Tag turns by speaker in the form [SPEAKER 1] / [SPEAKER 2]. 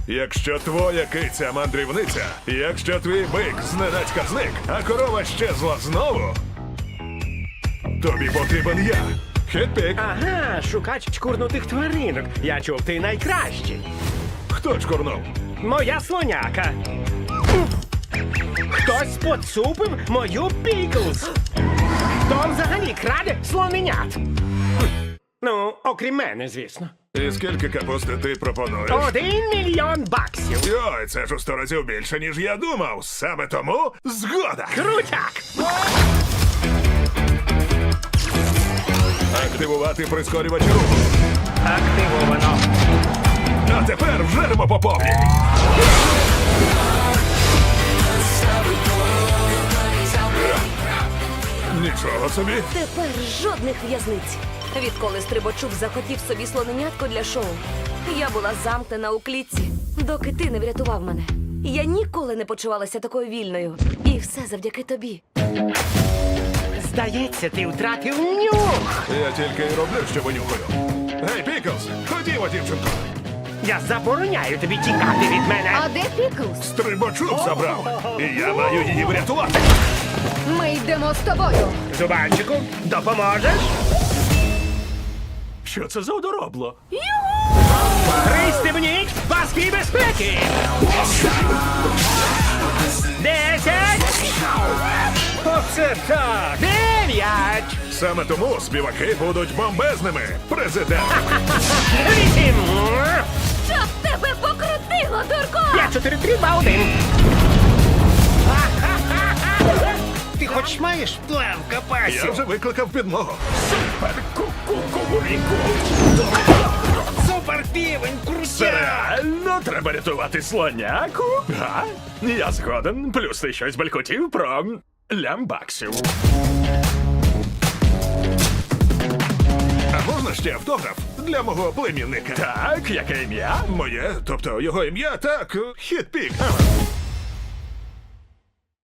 [SPEAKER 1] Якщо твоя киця мандрівниця, якщо твій бик зненацька зник, а корова щезла знову, тобі потрібен я. Хетпік.
[SPEAKER 2] Ага, шукач чкурнутих тваринок. Я чув, ти найкращий.
[SPEAKER 1] Хто чкурнув?
[SPEAKER 2] Моя слоняка. Хтось поцупив мою Піклз. Хто взагалі краде слоненят? Ну, окрім мене, звісно.
[SPEAKER 1] І скільки капусти ти пропонуєш?
[SPEAKER 2] 1 мільйон баксів.
[SPEAKER 1] Йой, це ж у 100 разів більше, ніж я думав. Саме тому згода.
[SPEAKER 2] Крутяк!
[SPEAKER 1] Активувати прискорювач руху.
[SPEAKER 2] Активовано.
[SPEAKER 1] А тепер вжеремо по повній. Нічого собі.
[SPEAKER 3] Тепер жодних в'язниць. Відколи Стрибачук захотів собі слоненятко для шоу, я була замкнена у клітці, доки ти не врятував мене. Я ніколи не почувалася такою вільною. І все завдяки тобі.
[SPEAKER 2] Здається, ти втратив нюх.
[SPEAKER 1] Я тільки й роблю, що винюхаю. Гей, Піклз, ходімо, дівчинко.
[SPEAKER 2] Я забороняю тобі тікати від мене.
[SPEAKER 4] А де Піклз?
[SPEAKER 1] Стрибачук забрав. І я маю її врятувати.
[SPEAKER 4] Ми йдемо з тобою.
[SPEAKER 2] Зубанчику, допоможеш? Що це за одоробло? Пристебніть паски безпеки! 10! Оце так! 9!
[SPEAKER 1] Саме тому співаки будуть бомбезними. Президент.
[SPEAKER 2] 8!
[SPEAKER 3] Щоб тебе покрутило, дурко!
[SPEAKER 2] 5, 4, 3, 2, 1! Ти хоч маєш план в
[SPEAKER 1] Я
[SPEAKER 2] капасі?
[SPEAKER 1] вже викликав підмогу.
[SPEAKER 2] Супер півень, крутяк!
[SPEAKER 5] Реально треба рятувати слоняку? Га? Я згоден. Плюс ти щось балькотів про лямбаксів.
[SPEAKER 1] А можна ще автограф для мого племінника?
[SPEAKER 5] Так, яке ім'я?
[SPEAKER 1] Моє, тобто його ім'я, так, Хетпік.